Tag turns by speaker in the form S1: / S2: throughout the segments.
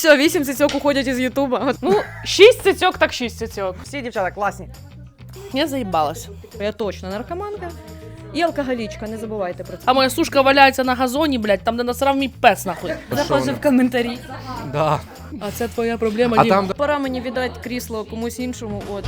S1: Все, 8 цицьок уходять із Ютуба.
S2: Ну, 6 цицьок, так 6 цицьок.
S3: Всі дівчата класні.
S2: Я заїбалась.
S1: Я точно наркоманка. І алкоголічка, не забувайте про це.
S2: А моя сушка валяється на газоні, блядь, там, де насрав мій пес, нахуй.
S1: Заходжу в коментарі.
S4: Да.
S2: А це твоя проблема,
S4: А
S2: Дім.
S4: там
S1: Пора мені віддати крісло комусь іншому, от.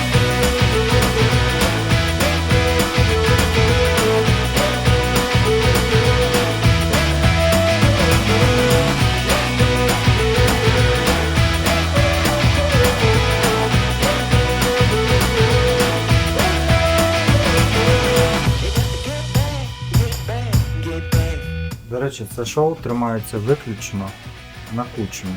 S5: До речі, це шоу тримається виключно на кучмі.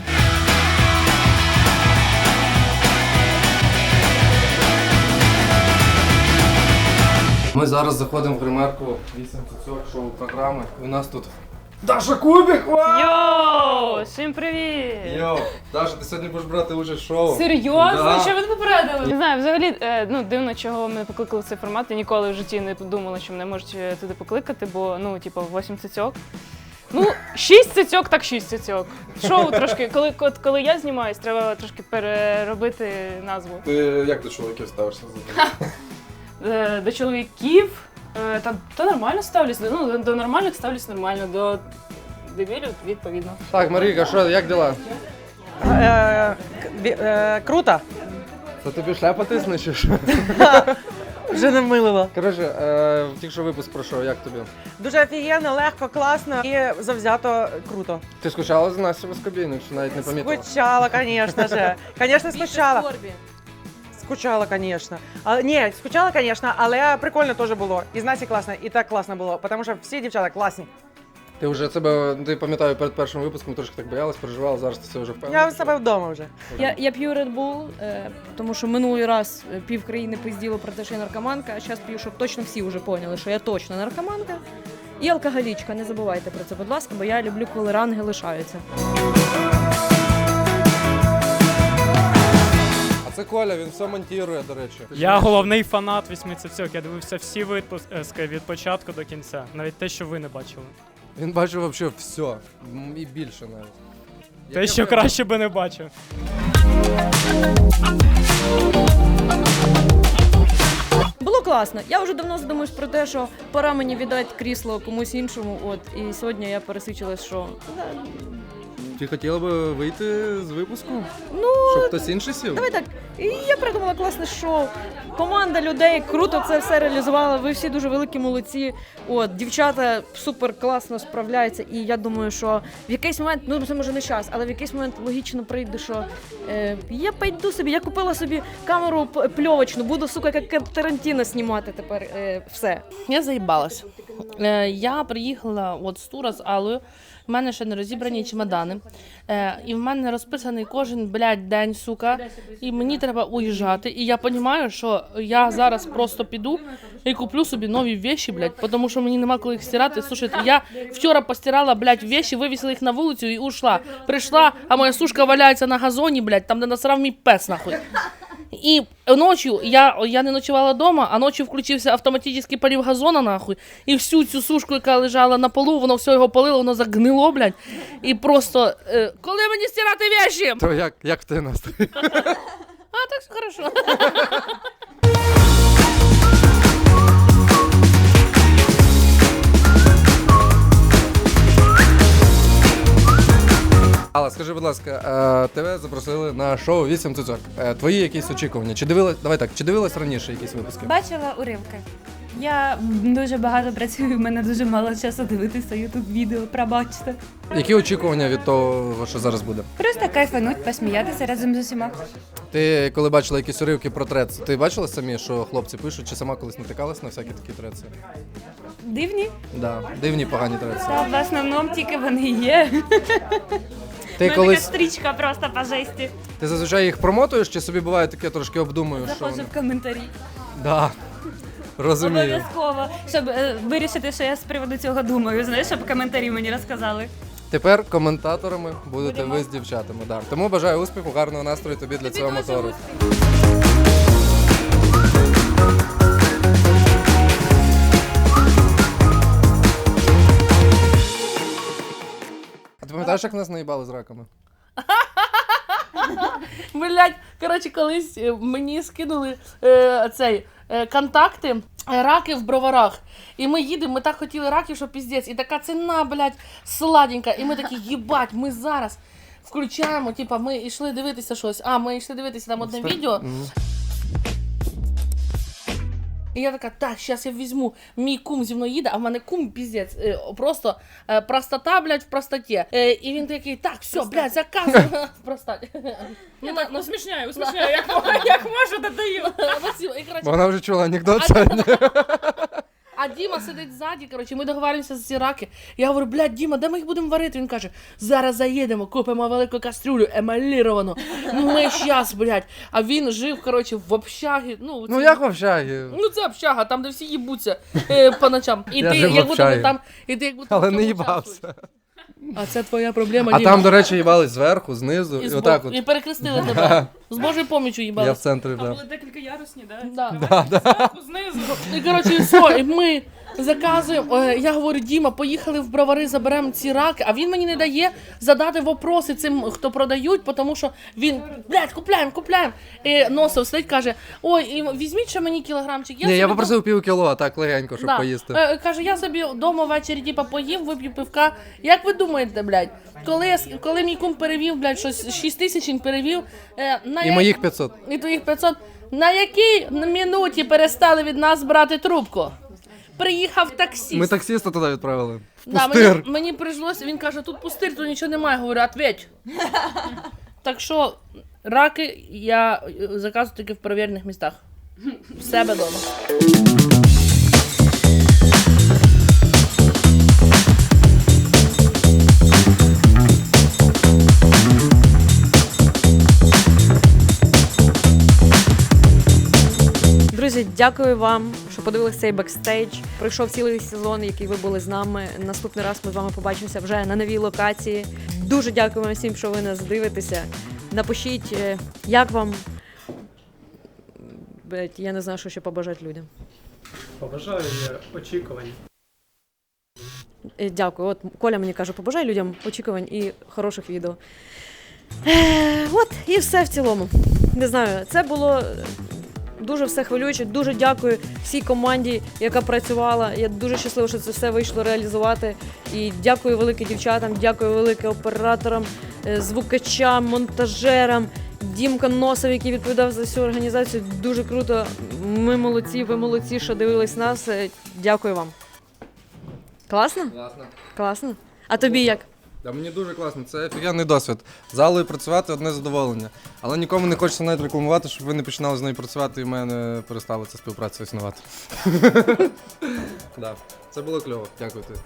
S4: ми зараз заходимо в гримерку 8 цицьок шоу програми. У нас тут Даша Кубік!
S2: Йоу, всім привіт!
S4: Йоу, Даша, ти сьогодні будеш брати участь в шоу.
S2: Серйозно?
S4: Да.
S2: Що ви не попередили? Не знаю, взагалі, дивно, чого мене покликали в цей формат. Я ніколи в житті не подумала, що мене можуть туди покликати, бо, 8 цицьок. 6 цицьок, так 6 цицьок. Шоу трошки, коли я знімаюсь, треба трошки переробити назву.
S4: Ти як до чоловіків ставишся?
S2: До чоловіків, та нормально ставлюсь, до нормальних ставлюсь нормально, до дебілів відповідно.
S4: Так, Марійка, що, як діла?
S3: Круто.
S4: Це тобі шляпа тисне чи що?
S3: Вже не вмилила.
S4: Коротше, тільки що випуск пройшов, як тобі?
S3: Дуже офігенно, легко, класно і завзято круто.
S4: Ти скучала за Настю Воскобійник, чи навіть не помітила?
S3: Скучала, звісно ж. Звісно, скучала. Скучала, звісно. Ні, скучала, звісно, але прикольно теж було. І з Насі класно, і так класно було, тому що всі дівчата класні.
S4: Ти вже себе, ти пам'ятаю, перед першим випуском трошки так боялась, переживала, зараз ти це вже впевнена.
S3: Я в себе вдома вже.
S1: Я п'ю Red Bull, тому що минулий раз пів країни пизділо про те, що я наркоманка, а зараз п'ю, щоб точно всі вже поняли, що я точно наркоманка. І алкоголічка, не забувайте про це, будь ласка, бо я люблю, коли ранги лишаються.
S4: А це Коля, він все монтує, до речі.
S6: Я головний фанат 8 цицьок, я дивився всі випуски від початку до кінця, навіть те, що ви не бачили.
S4: Він бачив взагалі все, і більше навіть.
S6: Те, що краще би не бачив.
S1: Було класно. Я вже давно задумуюсь про те, що пора мені віддати крісло комусь іншому, от. І сьогодні я пересичилась, що...
S4: Ти хотіла би вийти з випуску?
S1: Ну,
S4: щоб хтось інший сів?
S1: давай так. І я придумала класне шоу. Команда людей круто це все реалізувала. Ви всі дуже великі молодці. От, дівчата супер класно справляються. І я думаю, що в якийсь момент, це може не час, але в якийсь момент логічно прийде, що я пойду собі, я купила собі камеру пльовочну, буду, сука, як Тарантіно знімати тепер все.
S2: Я заїбалась. Я приїхала з тура з Аллою, в мене ще не розібрані чемодани. І в мене розписаний кожен, день, сука. І мені треба уїжджати. І я розумію, що я зараз просто піду і куплю собі нові вещи, тому що мені нема коли їх стирати. Слушайте, я вчора постирала, вещи, вивісила їх на вулицю і ушла. Прийшла, а моя сушка валяється на газоні, там, де насрав мій пес, нахуй. І ночі я не ночувала вдома, а ночі включився автоматичний полив газона, нахуй. І всю цю сушку, яка лежала на полу, воно все його полило, воно загнило, І просто, коли мені стирати вещи?
S4: То як в тебе настрій?
S2: А, так все хорошо.
S4: Алла, скажи, будь ласка, тебе запросили на шоу 8 цицьок. Твої якісь очікування? Чи дивилась раніше якісь випуски?
S7: Бачила уривки. Я дуже багато працюю, в мене дуже мало часу дивитися ютуб-відео, пробачте.
S4: Які очікування від того, що зараз буде?
S7: Просто кайфануть, посміятися разом з усіма.
S4: Ти коли бачила якісь уривки про трец, ти бачила самі, що хлопці пишуть, чи сама колись натикалась на всякі такі треци?
S7: Дивні?
S4: Да, дивні погані треці.
S7: Та в основному тільки вони є.
S4: Ти
S7: Така
S4: колись
S7: стрічка просто по жесті.
S4: ти зазвичай їх промотуєш, чи собі буває таке трошки обдумуєш? Що
S7: Заходжу
S4: вони?
S7: в коментарі.
S4: Да. Розумію.
S7: Обов'язково, щоб вирішити, що я з приводу цього думаю, знаєш, щоб коментарі мені розказали.
S4: Тепер коментаторами будете ви з дівчатами. Да. Тому бажаю успіху, гарного настрою тобі для цього мотору. А ти пам'ятаєш, як нас наїбали з раками?
S2: Блять, коротше, колись мені скинули контакти раки в Броварах. І ми їдемо, ми так хотіли раків, що піздець. І така ціна, блядь, сладенька. І ми такі, їбать, ми зараз включаємо, типа, ми йшли дивитися щось. Ми йшли дивитися там одне відео. І я така, так, зараз я візьму, мій кум зі мною їде, а в мене кум піздець, просто простота, блядь, в простоті. І він такий, так, все, блядь, заказуй. Простоті.
S7: Я так усмішняю, як можу, додаю.
S4: Бо вона вже чула анекдот сьогодні.
S2: А Діма сидить ззаді, коротше, ми договоримося з ці раки. Я говорю, блядь, Діма, де ми їх будемо варити? Він каже, зараз заїдемо, купимо велику кастрюлю, емаліровану. Ми щас, блядь. А він жив, коротше, в общагі.
S4: Ну як в общагі?
S2: Ну це общага, там, де всі їбуться по ночам. І
S4: Я
S2: ти,
S4: жив в
S2: як будто
S4: общагі.
S2: там, і ти як будто
S4: Але
S2: в
S4: не
S2: цьому
S4: їбався.
S2: участвуєш. А це твоя проблема,
S4: А
S2: Діма.
S4: там, до речі, їбались зверху, знизу, і
S2: І
S4: отак от.
S2: І перекрестили тебе. З Божою помічю
S4: Я в
S2: їбали.
S4: центрі, да.
S7: Були декілька ярусні, да?
S2: Да.
S7: Зверху, знизу.
S2: І, коротше, все, і ми заказуємо. Я говорю, Діма, поїхали в Бровари, заберемо ці раки, а він мені не дає задати вопроси цим, хто продають, тому що він, блядь, купляємо. І Носов сидить, каже, ой, і візьміть ще мені кілограмчик.
S4: Ні, я
S2: собі
S4: попросив півкіло, а так легенько, щоб
S2: Да.
S4: поїсти.
S2: Каже, я собі вдома ввечері типа поїм, вип'ю пивка. Як ви думаєте, блядь, коли мій кум перевів, блядь, щось 6 тисяч він перевів,
S4: І моїх 500.
S2: і твоїх 500, на якій минуті перестали від нас брати трубку? Приїхав таксіст.
S4: Ми таксиста туди відправили.
S2: Да,
S4: Пустир.
S2: мені прийшлося, він каже, тут пустир, тут нічого немає. Говорю, ответь. Так що, раки я заказую тільки в перевірених містах. В себе вдома.
S1: Друзі, дякую вам, що подивилися цей бекстейдж. Пройшов цілий сезон, який ви були з нами. Наступний раз ми з вами побачимося вже на новій локації. Дуже дякую вам всім, що ви нас дивитеся. Напишіть, як вам. Я не знаю, що ще побажати людям.
S6: Побажаю очікувань.
S1: Дякую. От Коля мені каже, побажай людям очікувань і хороших відео. От, і все в цілому. Не знаю, це було дуже все хвилююче. Дуже дякую всій команді, яка працювала. Я дуже щаслива, що це все вийшло реалізувати. І дякую велике дівчатам, дякую велике операторам, звукачам, монтажерам, Дімка Носов, який відповідав за всю організацію. Дуже круто. Ми молодці, ви молодці, що дивились нас. Дякую вам. Класно?
S4: Класно.
S1: Класно. А тобі як?
S4: Да, мені дуже класно, це офігенний досвід. Залою працювати одне задоволення. Але нікому не хочеться навіть рекламувати, щоб ви не починали з нею працювати і в мене перестала ця співпраця існувати. Да. Це було кльово. Дякую тобі.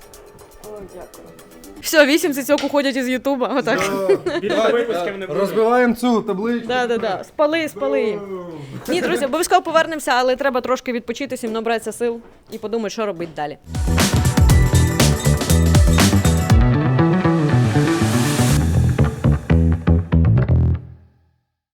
S1: Все, 8 цицьок уходять із Ютуба. Отак.
S6: Більше випусків не буде.
S4: Розбиваємо цю табличку.
S1: Да. Спали їм. Ні, друзі, обов'язково повернемося, але треба трошки відпочити, всім набратися сил і подумати, що робити далі.